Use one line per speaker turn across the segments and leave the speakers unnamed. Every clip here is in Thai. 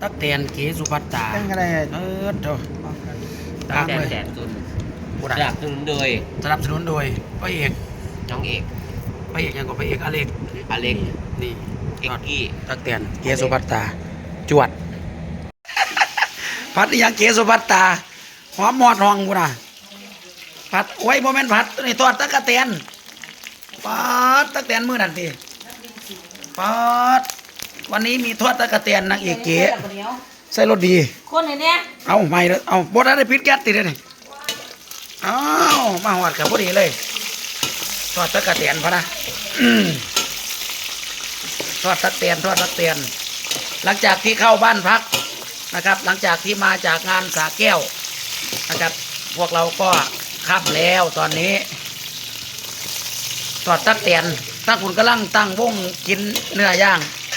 ตักแตนเกสุภัตตา
เป็นไง
เจ้าตามเลย
แสนตุน
ผู้
ส
ใด
นับสนุนโดย
สนับสนุนโดยพระเอก
น้องเอก
พระเอกยังกับพระเอกอเล็ก
อเล็ก
นี่
เอกกี้
ตักแตนเกสุภัตตาจวด พัดยังเกสุภัตตาหอมหมอดหองกูน่ะผัดโอ้ยโมเมนต์ผัดนี่ทอดตักแตนปัดตักแตนมือนั่นทีปัดวันนี้มีทอดตักแตนนางเอกเก๋ใส่รสดี
คนไหนเนี่ย
เอาไม่เลยเอาบดได้พิษแก๊สติดเลยนี่เอามาหอดกับพอดีเลยทอดตักแตนพะนะทอดตักแตนหลังจากที่เข้าบ้านพักนะครับ หลังจากที่มาจากงานสาแก้วนะครับพวกเราก็ค่ำแล้วตอนนี้ทอดตักแตนตั้งคุณกำลังตั้งวงกินเนื้อย่าง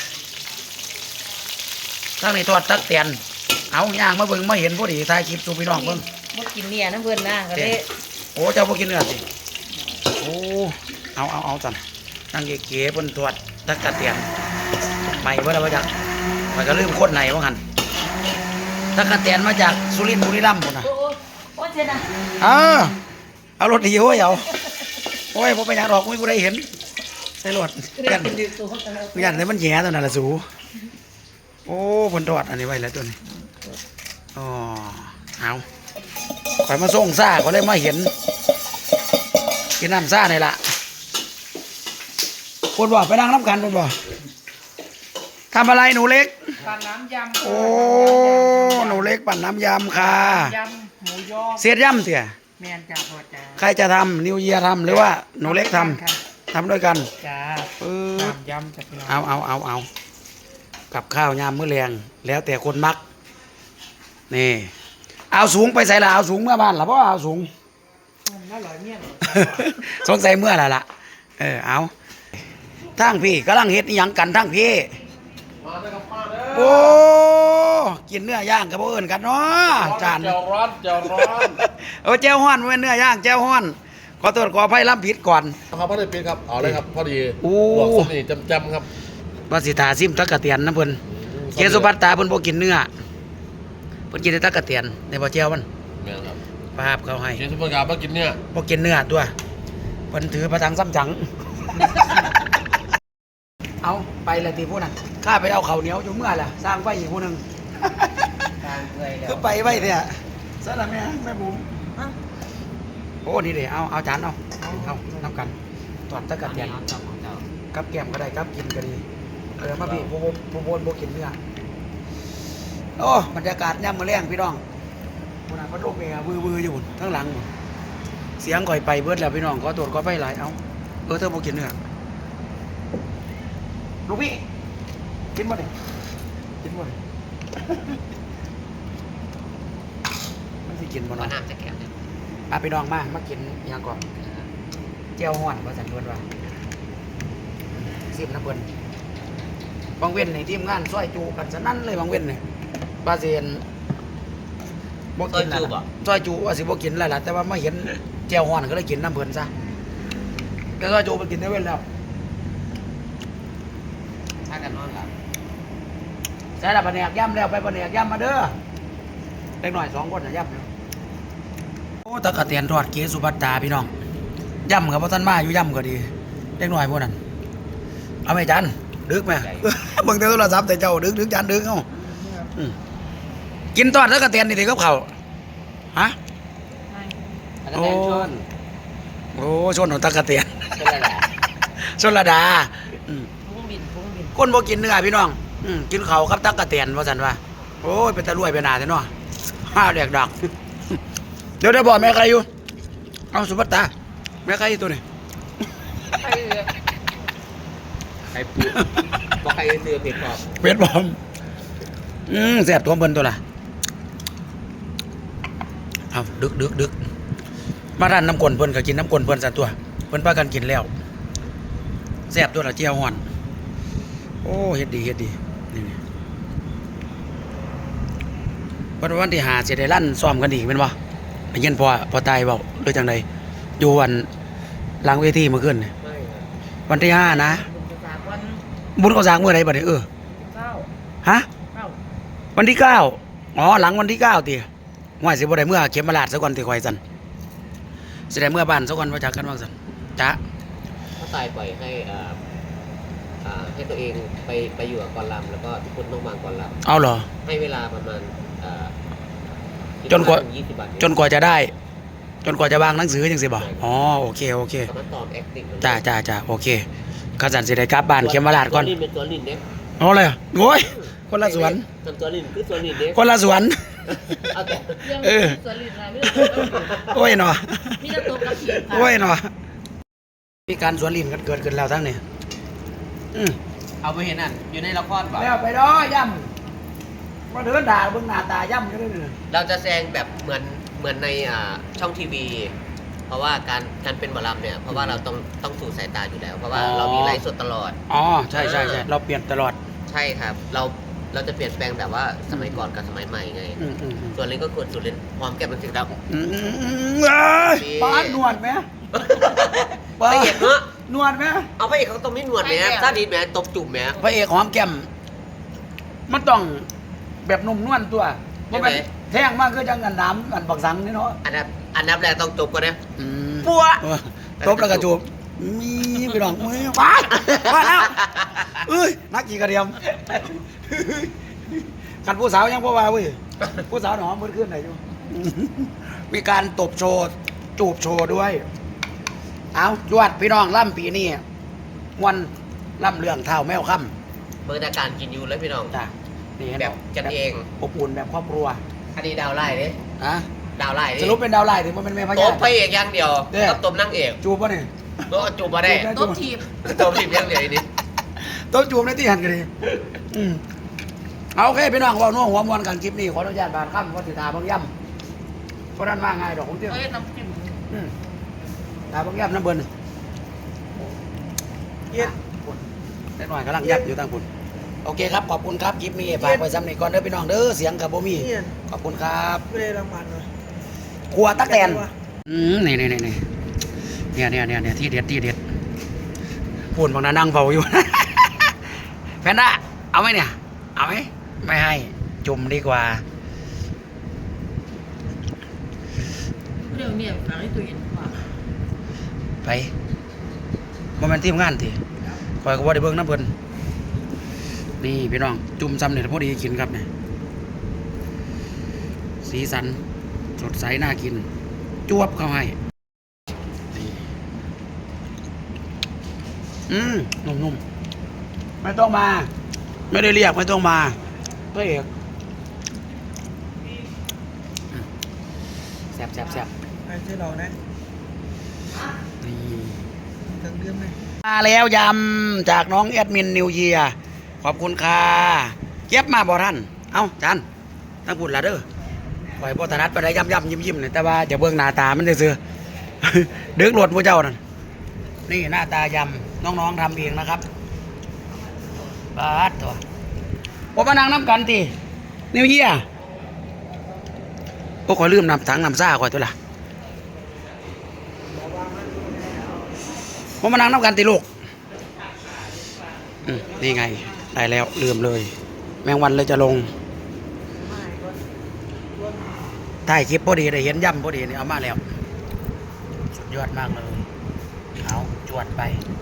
ตั้งในทอดตักแตนเอาย่างมาเบิ่งมาเห็นพอดีถ่ายคลิปสู่พี่น้องเบิ่ง
บ่กินเนี่ยน้ำเพิ่นนะก็เลย
โอ้เจ้าพวกกินเนื้อสิโอ้เอาจันนั่งเก๋ๆเพิ่นทอดตักแตนใหม่เบิ่แล้วว่าจังมันก็ลืมโคตรไหนว่างั้นตักแตนมาจากสุรินทร์บุรีรัมย์พุ่นน่ะ
โอ้เจ๊นะ
เอารถดีโอ้ยเอาโอ้ยผมไปยังดอกไม่กูได้เห็นใส่รถกันยันเลยมันแย่ตัวนั้นละสูโอ้ผลตรวจอันนี้ไว้แล้วตัวนี้อ๋อเอาข่อยมาส่งซ่าก็เลยมาเห็นกินน้ำซ่านี่ละคนบอกไปนั่งน้ำกันคนบอกทำอะไรหนูเล็ก
ปั่นน้ำยำ
โอ้หนูเล็กปั่นน้ำยำค่ะ
ยำหมูยอ
เสียดย่ำเถี่ย
แมนจ่าพอจ่า
ใครจะทำนิวเยียทำหรือว่าหนูเล็กทำทำด้วยกัน
จ้า
ปึ๊บ
น้ำยำจากพี่น้อง
เอากับข้าวยามมื้อแรงแล้วแต่คนมักนี่เอาสูงไปใส่ละเอาสูงเมื่อบ้านละเพราะเอาสูง
น่าอร่อยเมี่ยง
สงสัยเมื่อละเอาทั้งพี่กำลังเฮ็ดอิหยังกันทั้งพี่โอ้กินเนื้อย่างกับพวกอื่นกันเนาะจาน
เจ้าร้อน
แจ้วฮ้อนไม่เนื้อย่างแจ้วฮ้อนขอโทษขออภัยล้ำผิดก่อน
ครับพ่อได้เป็นครับเอาเลยครับพอดี
โอ้
บอกสนิทจำครับ
ว่าสิทาซิมตักกะเตียนนะเพิ่นเกสุภัตตาเพิ่นบ่กินเนื้อเพิ่นกินแต่ตักกะเตียนในบ่แจ้วมัน
แม่นครับ
ภาพเขาให้
เชียร์สุพรรณมากินเนี่ย
บ่กินเนื้อตัวเพิ่นถือประทังซ้ำจัง เอาไปเลยทีผู้นั้นข้าไปเอาข้าวเหนียวอยู่เมื่อล่ะสร้างไฟอีกผู้หนึง
ทางเลยแล้ว
ก็ไปไว้เถอะซะละแม่บุ๋มโอ้นี่เด้เอาจานเอานำกันตอดตะกะเตียนกับแก้มก็ได้กับกินก็ดีมาพี่ผู้บนบ่กินเนื้อโอ้บรรยากาศย่ำมื้อแรงพี่น้องผู้นั้นพัดลมเองวืออยู่พุ่นข้างหลังพุ่นเสียงก่อยไปเบิดแล้วพี่น้องขอตรวจขอไฟหลายเอาเธอบ่กินเนื้อลูกพี่กินบ่ดิกินบ่ดิมันสิกินบ่
ก็
เนาะ
น้ำจะแก้วเนี่ย
พี่น้องมากินอิหยังก่อนเจียวฮ้อนว่าซั่นเพิ่นว่าสิบน้ำเพิ่นบางเว้นนี่ทีมงานซอยจูกันซะนั่นเลยบางเว้นนี่บาเซียนบ่กินแล้วล่ะซอยจูว่าสิบ่กินแล้วล่ะแต่ว่ามาเห็นเจียวฮ้อนก็เลยกินน้ำเพิ่นซะก็ซอยจูไปกินได้เว้นแล้ว
ถ้ากันนอนหลับ
ใส่ละแผนกย่ำแล้วไปแผนกย่ำมาเด้อเล็กหน่อย2คนน่ะย่ำเนาะโอ้ตะกะเตียนทอดเกสุภัตตาพี่น้องย่ำกับพ่ท่านมาอยู่ย่ำก็ดีเล็กหน่อยพวกนั้นเอาไหมจันดึกไหม เบิ่งแต่โทรศัพท์แต่เจ้าดึกจันดึกเอ้ากินทอดตะกะเตียนนี่สิกับเขาวฮะ
อันนั้นแทนชน
โอ้ชนของตะกะเตียน
ชนอะไรล่ะ
ชนระดาอืม
พุงบิน
คนบ่กินเนื้อพี่น้องกินเขาวกับตะกะเตียนว่าซั่นว่าโอ้ยเป็นตะรวยเป็นหนาแท้เนาะห้าแดกดักเดี๋ยวได้บอกแม่ใครอยู่เอาสุภัตตาแม่ใครอยู่ตัวนี้
ใครปูบอกใครเสือเผ็ดกรอบ
เป็ดบอมแซ่บตัวเบิ่นตัวละเอาดึกมาร้านน้ำกลนเพิ่นก็กินน้ำกลนเพิ่นสั่นตัวเพิ่นพากันกินแล้วแซ่บตัวละเจียวฮ้อนโอ้เฮ็ดดีนี่วันที่5สิได้ลั่นซ้อมกันอีกแม่นบ่ไปเย็นพอตายเว้าหรือจังไดอยู่วันหลังเวทีเมื่อคืนนี่
ไม่
วันที่5นะ
บุญจากวัน
บุญเขาสร้างมื้อใดบัดนี้
เจ้า
ฮะ
เจ้า
วันที่9อ๋อหลังวันที่9ติห่วยสิบ่ได้เมื่อเข็มมาลาดซะก่อนติข่อยสั่นสิได้เมื่อบ้านซะก่อนว่าจักกันว่าสั่นจ๊ะ
ถ้าตายปล่อยให้ให้ตัวเองไปอยู่กับกอนลำแล้วก็ทุกคนต้องวางกอนล
เอาเหรอ
ำให้เวลาประมาณ
จนกว่า
20 บาท
จนกว่าจะได้ จนกว่าจะวางหนังสือจังสิบ่อ๋อโอเค
สามารถตอบ acting
จ้าโอเคข้าสันสิได้กลับบ้านเข็มมาลาดก่อน
ตัวลินเป็นตัวลินเนี่ย
เอาเลยโอ้ยคนละสวน
ตัวลินคือตัวลินเนี่ย
คนละสวน
เอาแต่
เออ
สลิดนะไม่ต้อง
โอ้ยหนอ
มีแต่ตัวกระถิ่นค่ะ
โอ้ยหนอมีการสวนลิ้นกันเกิดขึ้นแล้วทั้งนี้อืม
เอาไปเห็นอ่ะอยู่ในละครเปล่า
แล้วไปด้อย่ำมาเดินด่าเบิ่งหน้าตาย่ำกันเลย
เราจะแสดงแบบเหมือนในช่องทีวี เพราะว่าการเป็นหมอลำเนี่ยเพราะว่าเราต้องสู่สายตาอยู่แล้ว เพราะว่าเรามีไลฟ์สดตลอด
อ๋อใช่เราเปลี่ยนตลอด
ใช่ครับ เราจะเปลี่ยนแปลงแบบว่าสมัยก่อนกับสมัยใหม่ไง
อืม
ส่วนเล่นก็ควรส่วนเล่นพร้อมแก้มเป็นสิ่งดำ
ป้าดนวดไหม
พระเอกเนาะ
นวดไหม
เอาพระเอกเขาต้องมีหนวดไหมซาดีแหมตบจุ่มแหม
พระเอกหอมแก้มมันต้องแบบนุ่มนวลตัวเพราะมันแท่งมากก็จังกันน้ำกันปักสังนี่เนาะ
อันดับแรกต้องจบก่อนนะ
ปัวตบแล้วก็จูบมีไปลองมือว้ายว้าแล้วเอ้ยนักกี่กระเดียมกันผู้สาวยังพ่อว่าเว้ยผู้สาวหนอมมือขึ้นไหนอยู่มีการตบโชว์จูบโชว์ด้วยเอาจวดพี่น้องล่ำปีนี้วันล่ำเรื่องเท้าแมวค่ำ
เมื่อการกินยูแล้วพี่น้อง
จ้ะนี่เห็น
แบบกันเอง
อบอุ่นแบบครอบครัว
อันนี้ดาวไล่เนี่ย
อะ
ดาวไล่
สรุปเป็นดาวไล่ถึงมันเป็นแม่พ
ต
ญา
บพระเอกอย่างเดียวกับตบนางเอก
จูบป่ะเนี่ย
ก็จูบมาได้
ตบทีบ
ตบสิบอย่างเดียวนี่
โต๊ะจูบในที่หันกันดีเอาโอเคพี่น้องเว่านัวหัวมวนกันคลิปนี้ขออนุญาตบานค่ำวัดสิทาบางย่ำเพราะนั้นมาง่ายดอกของเตี้ย
เอ้ยน้ำจิ้ม
ตาบางย่ำน้ำเบิ้ลเย็นได้หน่อยกำลังยับอยู่ตั้งคุณโอเคครับขอบคุณครับคลิปนี้ฝากไว้ซ้ำนี่ก่อนเด้อพี่น้องเด้อเสียงกับโบมี่ขอบคุณครับ
ไม่ได้รางวัลเลย
ครัวตักแตนนี่เนี่ยที่เด็ดพูดบางนานั่งเฝ้าอยู่ แพนด้าเอาไหมเนี่ยเอาไหมไม่ให้จุ่มดีกว่า
เรื่องเนี่ยหลังให้ตัวเย็นกว่า
ไปบ่แม่นทีมงานติคอยก็บ่ได้เบิ่งน้ำเพิ่นนี่พี่น้องจุ่มซ้ำเนี่ยพอดีกินครับเนี่ยสีสันสดใสน่ากินจวบเข้าให้นี่นุ่มๆไม่ต้องมาไม่ได้เรียกไม่ต้องมาพระเอกแซ่บ
ไอ้เจ้าเรานะ
นี่
ทั้งเรื่องไหม
มาแล้วยำจากน้องแอดมินนิวเยียขอบคุณค่ะเก็บมาบ่ท่านเอ้าจานตั้งพูดละเด้อปล่อยบ่ถนัดไปได้ย่ำยิ้มเนี่ยแต่ว่าจะเบิ่งหน้าตามันซื่อๆ ดึกหลดผู้เจ้านั่นนี่หน้าตายำน้องๆทำเองนะครับบาดตัวผมมานั่งน้ำกันตีนิวเยียโอ้ขอลืมน้ำถังน้ำซ่าก่อนตัวละผมมานั่งน้ำกันตีลูกนี่ไงได้แล้วลืมเลย แมงวันเลยจะลงถ่ายคลิปพอดีได้เห็นย่ำพอดีนี่เอามาแล้วสุดยอดมากเลยเอาจวดไป